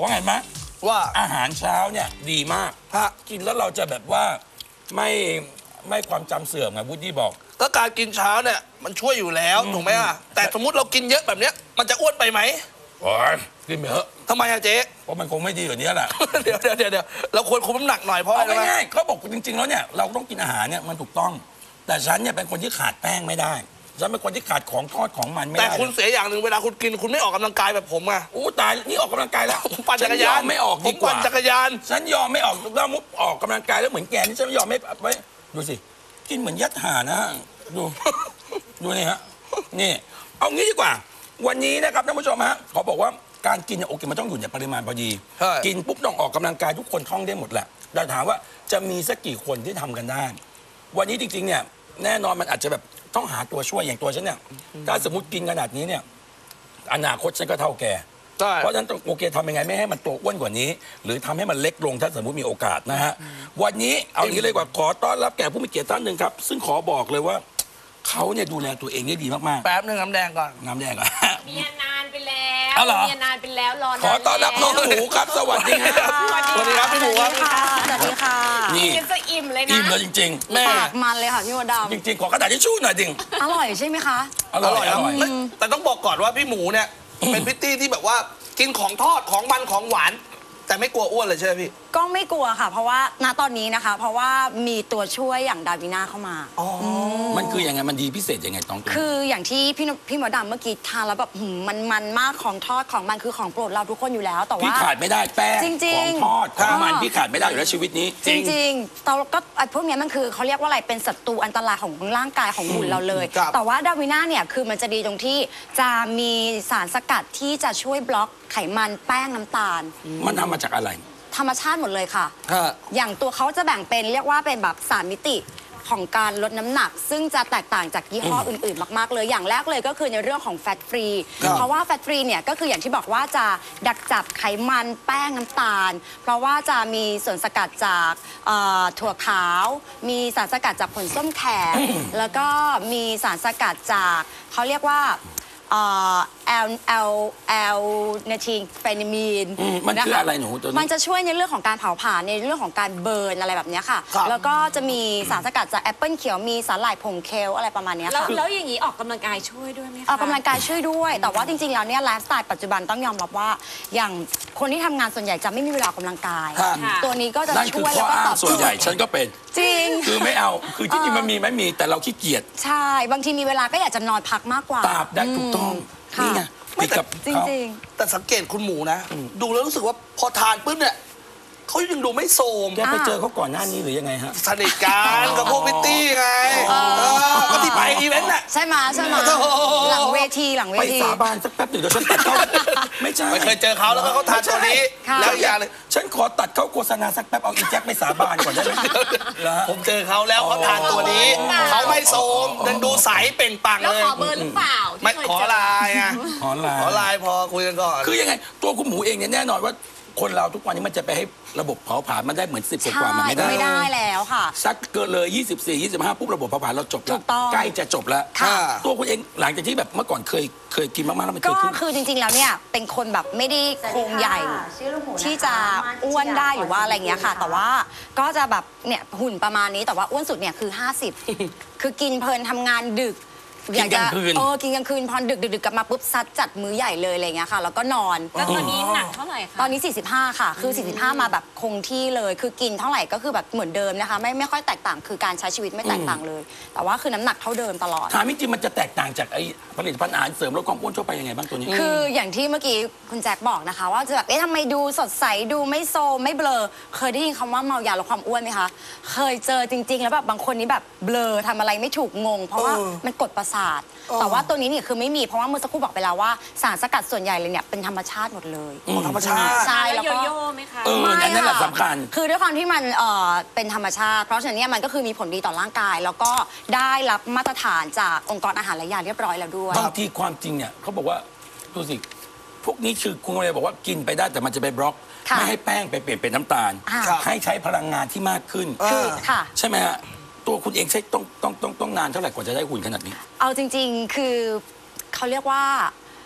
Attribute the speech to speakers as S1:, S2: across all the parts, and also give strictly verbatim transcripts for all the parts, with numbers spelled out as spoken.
S1: ว่าไงมะ
S2: ว่า
S1: อาหารเช้าเนี่ยดีมากกินแล้วเราจะแบบว่าไม่ไม่ความจำเสื่อมไงวูดดี้บอก
S2: ก็การกินเช้าเนี่ยมันช่วยอยู่แล้วถูกไหมอ่ะแต่สมมติเรากินเยอะแบบเนี้ยมันจะอ้วนไปไหม
S1: โอ้ยกินไปเถอะ
S2: ทำไมอะเจ๊
S1: เพราะมันคงไม่ดีกว่านี้แหละ
S2: เดี๋ยวเดี๋ยวเดี๋ยวเราควรคุมน้ำหนักหน่อยเพราะอะไร
S1: ง่ายๆเขาบอกจริงๆแล้วเนี่ยเราต้องกินอาหารเนี่ยมันถูกต้องแต่ฉันเนี่ยเป็นคนที่ขาดแป้งไม่ได้ฉันเป็นคนที่ขาดของทอดของมันไม่ได้
S2: แต่คุณเสียอย่างหนึ่งเวลาคุณกินคุณไม่ออกกำลังกายแบบผมอะ
S1: อู้ตายนี่ออกกำลังกายแล้ว
S2: ผมปั่นจักรยาน
S1: ไม่ออกดีกว่า
S2: ผมปั่นจักรยาน
S1: ฉันยอมไม่ออกแล้วมุกออกกำลังกายแล้วเหมือนแกนี่ฉันไม่ยอมไม่ไว้ดูสิกินเหมือนยัดห่านะดูดูนี่ฮะนี่เอางี้ดีกว่าวันนี้นะครับท่านผู้ชมฮะขอบอกว่าการกินเนี่ยโอเคมันต้องอยู่ในปริมาณพอดีกินปุ๊บต้องออกกำลังกายทุกคนท่องได้หมดแหละแต่ถามว่าจะมีสักกี่คนที่ทำกันได้วันนี้จริงๆเนี่ยแน่นอนมันอาจจะแบบต้องหาตัวช่วยอย่างตัวฉันเนี่ยถ้าสมมติกินขนาดนี้เนี่ยอนาคตฉันก็เท่าแกเพราะฉะนั้นโอเคทำยังไงไม่ให้มันตัวอ้วนกว่านี้หรือทำให้มันเล็กลงถ้าสมมติมีโอกาสนะฮะวันนี้เอาอย่างนี้เลยกว่าขอต้อนรับแขกผู้มีเกียรติท่านหนึ่งครับซึ่งขอบอกเลยว่าเขาเนี่ยดูแลตัวเองได้ดีมากๆ
S2: แป๊บนึงน้ำแดงก่อน
S1: น้ำแดงก่อน
S3: เมียนานไปแล้วเมียนานไปแล้วรอ
S1: ขอต้อนรับน้องหมูครับสวัสดีครับ
S2: สวัสดีครับพี่หมูครับ
S4: สวัสดีค่ะ
S1: นี่
S3: จะอิ่มเลยนะ
S1: อิ่มเลยจริง
S4: ๆแม่ปากมันเลยค่ะพี่มดดำ
S1: จริงๆขอกระดาษทิชชู่หน่อยดิ
S4: อร่อยใช่ไหมคะ
S1: อร่อยอร่อย
S2: แต่ต้องบอกก่อนว่าพี่หมูเนี่ยเป็นพิตตี้ที่แบบว่ากินของทอดของมันของหวานแต่ไม่กลัวอ้วนเลยใช่ไหมพี่
S4: ก็ไม่กลัวค่ะเพราะว่าณตอนนี้นะคะเพราะว่ามีตัวช่วยอย่างดาวิน่าเข้ามา
S1: อ๋อมันคือยังไงมันดีพิเศษยังไงต้อง
S4: คืออย่างที่พี่พี่หมอดำเมื่อกี้ทานแล้วแบบมันมันมากของทอดของมันคือของโปรดเราทุกคนอยู่แล้วแต่ว่า
S1: พี่ขาดไม่ได้แป้งของทอดของมันพี่ขาดไม่ได้อยู่แล้วชีวิตนี้
S4: จริงๆเราก็ไอ้พวกนี้มันคือเขาเรียกว่าอะไรเป็นศัตรูอันตรายของร่างกายของหุ่นเราเลยแต่ว่าดาวิน่าเนี่ยคือมันจะดีตรงที่จะมีสารสกัดที่จะช่วยบล็อกไขมันแป้งน้ำตาล
S1: มันทำมาจากอะไร
S4: ธรรมชาติหมดเลยค่ะอย่างตัวเขาจะแบ่งเป็นเรียกว่าเป็นแบบสามมิติของการลดน้ำหนักซึ่งจะแตกต่างจากยี่ห้ออื่นๆมากๆเลยอย่างแรกเลยก็คือในเรื่องของแฟตฟรีเพราะว่าแฟตฟรีเนี่ยก็คืออย่างที่บอกว่าจะดักจับไขมันแป้งน้ำตาลเพราะว่าจะมีส่วนสกัดจากถั่วขาวมีสารสกัดจากผลส้มแขกแล้วก็มีสารสกัดจากเขาเรียกว่าแอลแอลแอลเนทิงเฟนิมีน
S1: มันคืออะไรหนูตัวนี้
S4: มันจะช่วยในเรื่องของการเผาผลาญในเรื่องของการเบิร์นอะไรแบบนี้ค่ะแล้วก็จะมีสารสกัดจากแอปเปิลเขียวมีสาหร่ายผงเคลอะไรประมาณนี้ค่ะ
S3: แล้วอย่างนี้ออกกำลังกายช่วยด้วยไหมคะ
S4: ออกกำลังกายช่วยด้วยแต่ว่าจริงๆแล้วเนี่ยไลฟ์สไตล์ปัจจุบันต้องยอมรับว่าอย่างคนที่ทำงานส่วนใหญ่จะไม่มีเวลาออกกำลังกายตัวนี้ก็จะช่วยแล้วก็ตอบ
S1: ส่วนใหญ่ฉันก็เป็น
S4: จริง
S1: คือไม่เอาคือที่จริงมันมีไม่มีแต่เราขี้เกียจ
S4: ใช่บางทีมีเวลาก็อยากจะนอนพักมากกว่า
S1: ตาบได้ถูกต้องนี่ไง
S4: ไม่กับจริง
S2: ๆแต่สังเกตคุณหมูนะดูแล้วรู้สึกว่าพอทานปุ๊บเนี่ยเขายังดูไม่โทรม
S1: แกไปเจอเขาก่อนหน้านี้หรือยังไงฮะ
S2: สนิทกันกับพวกพิตตี้ไงก็ที่ไปอีเวนต์น่ะ
S4: ใช่ไหมใช่ไหมหลังเวทีหลังเวที
S1: ไปสาบานสักแป๊บหนึ่งเดี๋ยวฉันตัดเขาไม่ใช่
S2: ไม่เคยเจอเขาแล้วเขาทานตัวนี้แล้วอย่างเลย
S1: ฉันขอตัดเขาโฆษณาสักแป๊บเอาอีแจ็คไปสาบานก่อนได้ไหม
S2: ผมเจอเขาแล้วเขาทานตัวนี้เขาไม่โทรมยังดูใสเปล่งปลั่งเลย
S3: แล้วขอเบอร์หรือเปล่า
S2: ไม่ขอไลน์ไง
S1: ขอไลน์
S2: ขอไลน์พอคุยกันก่อน
S1: คือยังไงตัวคุณหมูเองเนี่ยแน่นอนว่าคนเราทุกวันนี้มันจะไปให้ระบบเผาผลาญมันได้เหมือนสิบกว่ามันไม่ได้
S4: ไม่ได้แล้วค่ะ
S1: สักเกินเลยยี่สิบสี่ ยี่สิบห้าปุ๊บระบบเผาผลาญเราจบแล้วใกล้จะจบแล้วตัวคุณเองหลังจากที่แบบเมื่อก่อนเคยเคยกินมากๆแล้วมันเกิดขึ้น
S4: ก็คือจริงๆแล้วเนี่ยเป็นคนแบบไม่ได้โครงใหญ่ที่จะอ้วนได้หรือว่าอะไรเงี้ยค่ะแต่ว่าก็จะแบบเนี่ยหุ่นประมาณนี้แต่ว่าอ้วนสุดเนี่ยคือห้าสิบคือกินเพลินทำงานดึก
S1: กินกลางคืน
S4: เออกินกลางคืนพอดึกดึกกลับมาปุ๊บซัดจัดมื้อใหญ่เลยอะไรเงี้ยค่ะแล้วก็นอน
S3: แล้วตอนนี้หนักเท่าไหร่คะ
S4: ตอนนี้สี่สิบห้าค่ะคือสี่สิบห้ามาแบบคงที่เลยคือกินเท่าไหร่ก็คือแบบเหมือนเดิมนะคะไม่ไม่ค่อยแตกต่างคือการใช้ชีวิตไม่แตกต่างเลยแต่ว่าคือน้ำหนักเท่าเดิมตลอด
S1: ถามจริงมันจะแตกต่างจากไอ้ผลิตภัณฑ์อาหารเสริมลดความอ้วนทั่วไปยังไงบ้างตัวนี้
S4: คืออย่างที่เมื่อกี้คุณแจ็คบอกนะคะว่าจะแบบเอ๊ะทำไมดูสดใสดูไม่โซมไม่เบลอเคยได้ยินคำว่าเมายาลดความอ้วนไหมคะเคยเจอจริงๆแล้วแบบบางคนนี้แบบเบลอทำอะไรไม่ถูกงงเพราะว่ามันกดประสาทแต่ว่าตัวนี้เนี่ยคือไม่มีเพราะว่าเมื่อสักครู่บอกไปแล้วว่าสารสกัดส่วนใหญ่เลยเนี่ยเป็นธรรมชาติหมดเลย
S2: ธรรมชาติ
S4: ใช่
S3: แล้วก็โยโย่ไหมคะ
S1: เอออันนั้นแหละสำคัญ
S4: คือด้วยความที่มันเออเป็นธรรมชาติเพราะฉะนั้นเนี่ยมันก็คือมีผลดีต่อร่างกายแล้วก็ได้รับมาตรฐานจากองค์กรอาหารและยาเรียบร้อยแล้วด้วย
S1: บางทีความจริงเนี่ยเขาบอกว่าดูสิพวกนี้คือคุณเลยบอกว่ากินไปได้แต่มันจะไปบล็อกไม่ให้แป้งไปเปลี่ยนเป็นน้ำตาลให้ใช้พลังงานที่มากขึ้นใช่ไหมฮะตัวคุณเองใช้ต้องต้องต้องต้องนานเท่าไหร่กว่าจะได้หุ่นขนาดนี้
S4: เอาจริงๆคือเขาเรียกว่า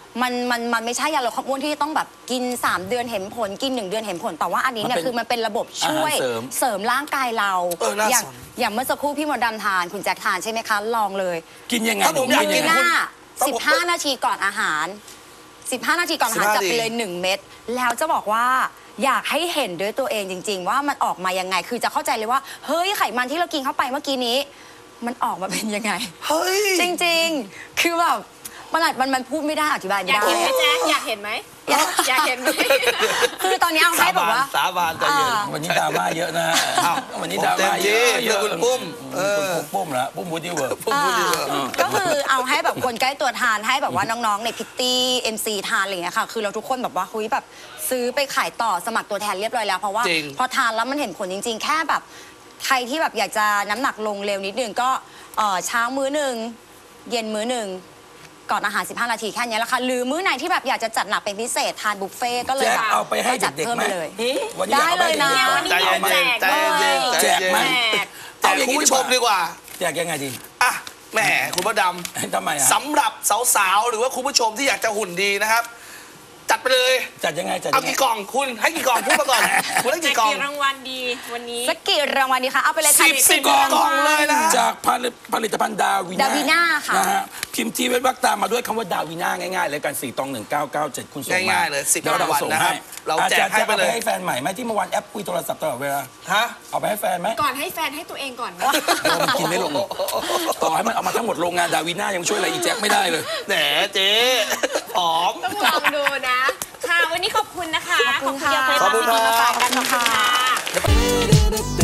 S4: มันมันมันไม่ใช่ยาลดความอ้วนที่ต้องแบบกินสามเดือนเห็นผลกินหนึ่งเดือนเห็นผลแต่ว่าอันนี้เนี่ยคือมันเป็นระบบช่วย
S1: อาหารเสริม
S4: เสริมร่างกายเรา
S2: เออน่า
S4: อย่าง
S2: สน
S4: อย่างเมื่อสักครู่พี่มดดำทานคุณแจ็คทานใช่ไหมคะลองเลย
S1: กินยังไง
S2: ถ้าผมอยาก
S1: หนู
S2: กิน
S1: ยัง
S4: ห
S1: ไง
S4: น้า
S2: ต้องผม
S4: สิบห้า นาทีก่อนอาหาร สิบห้า นาทีก่อนอาหาร
S2: สิบห้า
S4: จับไปเลย หนึ่ง เม็ดแล้วจะบอกว่าอยากให้เห็นด้วยตัวเองจริง ๆ ว่ามันออกมายังไง คือจะเข้าใจเลยว่าเฮ้ยไขมันที่เรากินเข้าไปเมื่อกี้นี้ มันออกมาเป็นยังไง
S2: เฮ้ย
S4: จริงๆ คือแบบมันอาจมันมันพูดไม่ได้อธิบาย
S3: อ
S4: ไม่
S3: ยาก
S4: ได้
S3: เห็นไหมแจ๊คอยากเห็นไหมอยากเห็นไหม
S4: คือตอนนี้เอาให้แบบว่า
S2: สาบานใจเย็น
S4: อ่า
S1: วันนี้ดราม่าเยอะนะฮะ
S2: อ้าว
S1: วันนี้ดราม่าเยอะ
S2: ผมเต็มที่เพื่อคุณปุ้มเออ
S1: คุณปุ้มเหรอปุ้มบูดี้เวิร์ก
S2: ผมพูดดีกว่า
S4: ก็คือเอาให้แบบคนใกล้ตัวทานให้แบบว่าน้องๆในพิตตี้เอ็มซีทานอะไรอย่างเงี้ยค่ะคือเราทุกคนแบบว่าคุยแบบซื้อไปขายต่อสมัครตัวแทนเรียบร้อยแล้วเพราะว่า
S2: จริง
S4: พอทานแล้วมันเห็นผลจริง ๆ แค่แบบใครที่แบบอยากจะน้ำหนักลงเร็วนิดนึงก็เอ่อเช้ามื้อหนึ่งเย็นมื้อหนึ่งก่อนอาหารสิบห้านาทีแค่นี้แหละค่ะหรือมื้อไหนที่แบบอยากจะจัดหนักเป็นพิเศษทานบุฟเฟ่ต์ก็เลย
S1: แจ็ค
S4: แบบ
S1: เอาไปให้
S4: จัด
S1: เด็ก
S4: เพิ่ม
S1: ๆไหม
S4: ไปเลย
S1: วันนี้อาไปให้
S4: ได้เลยนะ
S1: ด็กๆ
S3: วันนี้
S2: ใจ
S3: มี
S2: เย็น
S3: แจก
S2: ใจ
S3: ด้วย
S2: เย็นใจ
S1: แจก
S2: เย็น
S1: ไหม
S2: แจกคุณผู้ชมดีกว่า
S1: แจกยังไงดี
S2: อ่ะแหมคุณพระด
S1: ทำไมอ่ะ
S2: ำสำหรับสาวๆหรือว่าคุณผู้ชมที่อยากจะหุ่นดีนะครับ จัดไปเลย
S1: จัดยังไงจัด
S2: เอา
S1: ยังไง
S2: กี่กล่องคุณให้กี่กล่องพูดมาก่อนคุณให้
S3: แจก
S2: กี่กล่อง
S3: กี่รางวัลดีวันนี้
S4: สักกี่รางวัลดีคะเอาไปเลยค่ะ
S2: สิบสิบกล่องเลยนะ
S1: จากผลิตผลิตภัณฑ์ดาวิน่า
S4: ดาวิน่าค่ะ
S1: นะฮะพิมพ์ทีเว็บวักตามมาด้วยคำว่าดาวิน่าง่ายๆเลยกันสี่ตองหนึ่งเก้าเก้าเจ็ดคุณส่งมา
S2: ง่ายๆเลยสิบ
S1: ดี๋วเราส่ง
S2: รางวัลนะครับ
S1: ให้
S2: เราแจก
S1: อจรย์
S2: ให้ไปเลย
S1: อาให้แฟนใหม่ไหมที่เมื่อวานแอปคุยโทรศัพท์ตลอดเวลา
S2: ฮะ
S1: เอาไปให้แฟนไหม
S3: ก่อนให้แฟนให้ตัวเองก่อนไหม
S1: เรากินไม่ลงต่อให้มันเอามาทั้งหมดโรงงานดาวิน่ายังช่วยอะไรอีแจ็คไม่ได้เลย
S2: แหมเจ๊ผอม
S3: ต้องลองดูนะ ค่ะ วันนี้ขอบคุณนะคะ
S4: ขอบคุณค่ะ
S3: ขอบคุณ
S2: ขอบคุณครับ
S3: ที่มาฝากกันขอบคุณค่ะ